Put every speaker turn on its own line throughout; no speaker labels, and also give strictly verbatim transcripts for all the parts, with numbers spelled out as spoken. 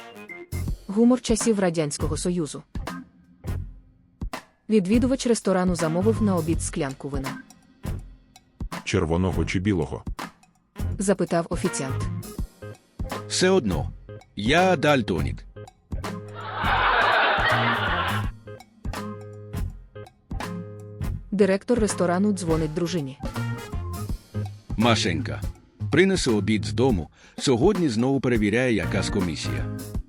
Гумор часів Радянського Союзу. Відвідувач ресторану замовив на обід склянку вина.
Червоного чи білого?
Запитав офіціант.
Все одно. Я дальтонік.
Директор ресторану дзвонить дружині.
Машенька. Принесе обід з дому. Сьогодні знову перевіряє якась комісія.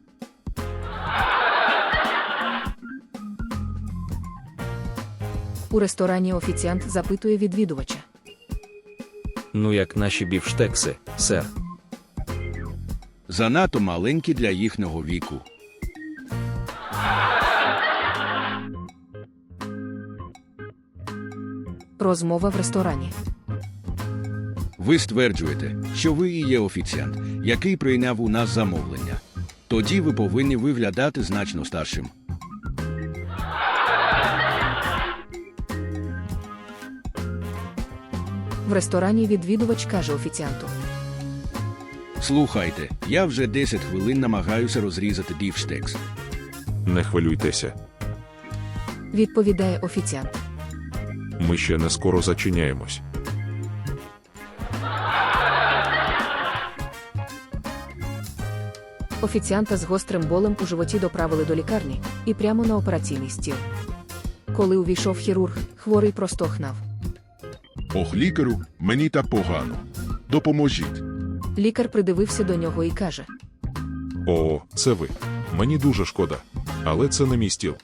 У ресторані офіціант запитує відвідувача.
Ну як наші бівштекси, сер.
Занадто маленькі для їхнього віку.
Розмова в ресторані.
Ви стверджуєте, що ви і є офіціант, який прийняв у нас замовлення. Тоді ви повинні виглядати значно старшим.
В ресторані відвідувач каже офіціанту.
Слухайте, я вже десять хвилин намагаюся розрізати бівштекс.
Не хвилюйтеся.
Відповідає офіціант.
Ми ще не скоро зачиняємось.
Офіціанта з гострим болем у животі доправили до лікарні і прямо на операційний стіл. Коли увійшов хірург, хворий простогнав.
Ох, лікарю, мені та погано. Допоможіть.
Лікар придивився до нього і каже.
О, це ви. Мені дуже шкода. Але це не мій стіл.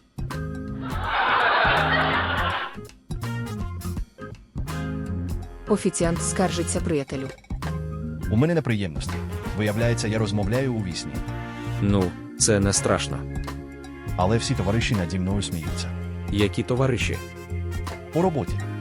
Офіціант скаржиться приятелю.
У мене неприємності. Виявляється, я розмовляю у вісні.
Ну, це не страшно.
Але всі товариші наді мною сміються.
Які товариші?
У роботі.